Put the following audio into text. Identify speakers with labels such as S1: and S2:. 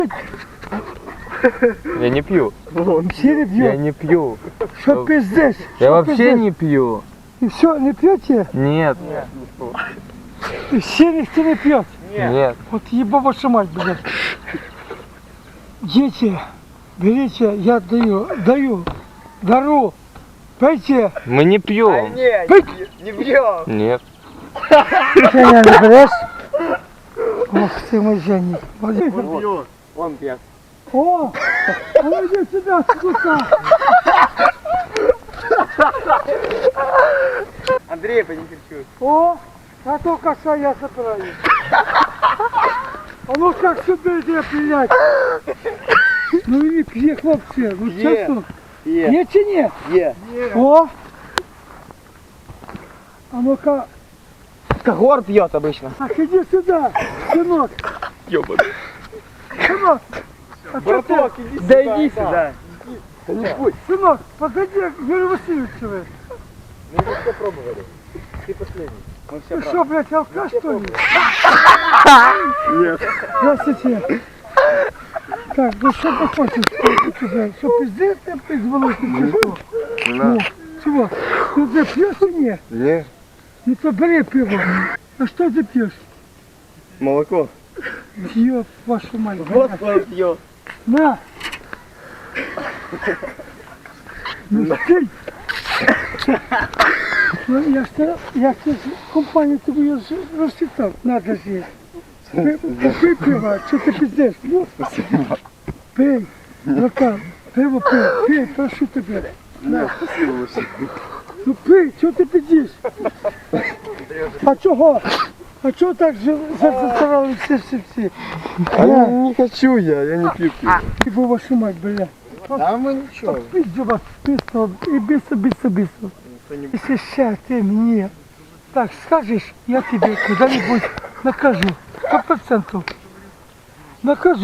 S1: Я не пью.
S2: Все не
S1: Я
S2: пьют.
S1: не пью.
S2: Что пиздец?
S1: Я вообще не пью.
S2: И все, не пьете?
S1: Нет.
S2: И все никто не пьет.
S1: Нет.
S2: Вот еба ваша мать, блядь. Дети, берите, я даю, дару. Пейте.
S1: Мы не пьем.
S3: Не бьем.
S1: Нет.
S2: Женя, не берешь? Ох ты мой Женя.
S3: Он пьет.
S2: О, а ну иди сюда, сука.
S3: Андрей, понекерчуй.
S2: О, а то коса я забираю. А ну как сюда иди, блядь. Ну и не п'є, хлопці, ну
S3: Є.
S2: чесно.
S3: Є.
S2: Є чи ні?
S3: Є.
S2: О! А ну-ка,
S3: Когор пьет обычно.
S2: так иди сюда, сынок.
S1: Ёбаный.
S2: Сынок, а что ты?
S3: иди сюда. Да иди сюда. Не будь.
S2: Сынок, подойди к Юрию Васильевичу.
S3: Мы уже все пробовали. Ты последний. Мы все
S2: Ты что, блядь, алкаш, что ли?
S3: Нет.
S2: Здравствуйте. Так, ну что ты хочешь? Что пиздец ты призвал, ты что? Ну, чего? Ну ты пьешь или нет?
S3: Нет.
S2: Ну то бери пиво. А что ты пьешь?
S3: Молоко.
S2: Ёб вашу мать.
S3: Вот твой пьет.
S2: На! Ну ты! Ну я ж компанию тобі розчитав, надо з'їсти. Пий пиво, що ти пиздеш? Пий, братан, пиво пий, прошу тебе. На. Ну пий, що ти пиздиш? А чого? А чого так засрали всі?
S3: А я не хочу я не пью пиво.
S2: Типу вашу мать, бля.
S3: А мы ничего.
S2: Пизду вас, пизду, і бісо. Если сейчас ты мне так скажешь, я тебе куда-нибудь накажу. 100%. Накажу.